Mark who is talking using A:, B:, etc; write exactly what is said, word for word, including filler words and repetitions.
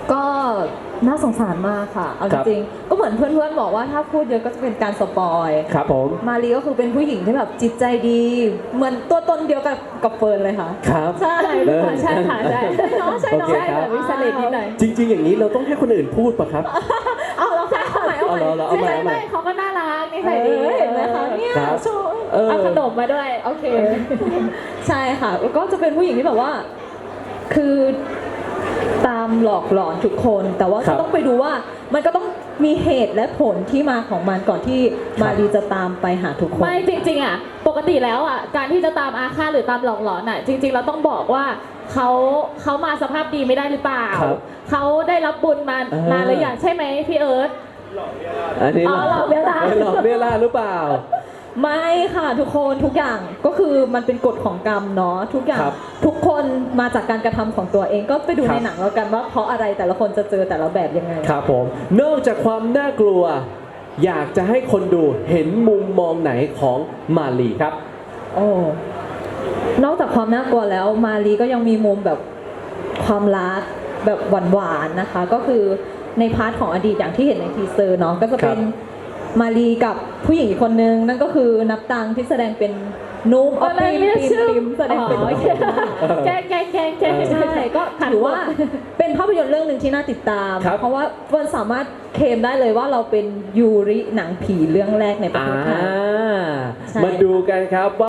A: ก็น่าสงสารมากค่ะเอาจริงๆก็เหมือนเพื่อนๆบอกว่าถ้าพูดเยอะก็จะเป็นการสปอย
B: ครับผม
A: มารีก็คือเป็นผู้หญิงที่แบบจิตใจดีเหมือนตัวตนเดียวกับกับเฟิร์นเลยค่ะ
B: ครับ
A: ใช่ใช่ค่ะใช่เนาะใช่เนาะ
B: โอเคครับ
A: วิสเลตนิดหน่อย
B: จริงๆอย่างนี้เราต้องให้คนอื่นพูดปะครับ
A: เอาแล้วค่ะเอาใหม่เอาใหม่
B: เอาเอาใหม่เอาใหม่
C: เขาก็น่ารักนิสัยดี
A: เห็นไหมคะเนี่ย
B: ครับ
A: โชว์
B: เออ
C: เอาขนมมาด้วย
A: โอเคใช่ค่ะแล้วก็จะเป็นผู้หญิงที่แบบว่าคือตามหลอกหลอนทุกคนแต่ว่า
B: ครั
A: ก็
B: บ
A: ต้องไปดูว่ามันก็ต้องมีเหตุและผลที่มาของมันก่อนที่มารีจะตามไปหาทุกคน
C: ไม่จริงๆอ่ะปกติแล้วอ่ะการที่จะตามอาฆาตหรือตามหลอกหลอนอ่ะจริงๆเราต้องบอกว่าเขาเขามาสภาพดีไม่ได้หรือเปล่า
B: ครับ
C: เขาได้รับบุญมา
B: อ่าน
C: นานหรือยังใช่ไหมพี่เอิร์ธ
B: อันนี้
C: อ๋อหลอกเวลา
B: หลอกเวลาหรือเปล่า
A: ไม่ค่ะทุกคนทุกอย่างก็คือมันเป็นกฎของกรรมเนาะทุกอย่าง
B: ครับ
A: ทุกคนมาจากการกระทำของตัวเองก็ไปดู
B: ครับ
A: ในหนังแล้วกันว่าเพราะอะไรแต่ละคนจะเจอแต่ละแบบยังไง
B: ครับผมนอกจากความน่ากลัว อยากจะให้คนดูเห็นมุมมองไหนของมาลีครับ
A: โอ้ นอกจากความน่ากลัวแล้วมารีก็ยังมีมุมแบบความรักแบบหวานๆนะคะ ก็คือในพาร์ทของอดีตอย่างที่เห็นในทีเซอร์เนาะก็จะเป็นมารีกับผู้หญิงอีกคนนึงนั่นก็คือนับตังที่แสดงเป็นนุ๊ก
C: เออไม่ไม่ชื่อ
A: ปิมแสดงเป็น
C: อ๋อโอเคแกล้งแกล้งแกล้งแกล้ง
A: ใช่ก็ถือว่าเป็นภาพยนตร์เรื่องหนึ่งที่น่าติดตาม
B: ครับ
A: เพราะว่าเฟิร์นสามารถเคลมได้เลยว่าเราเป็นยูริหนังผีเรื่องแรกในประ
B: อ่า
A: เทศไทย ใช่
B: มาดูกันครับว่า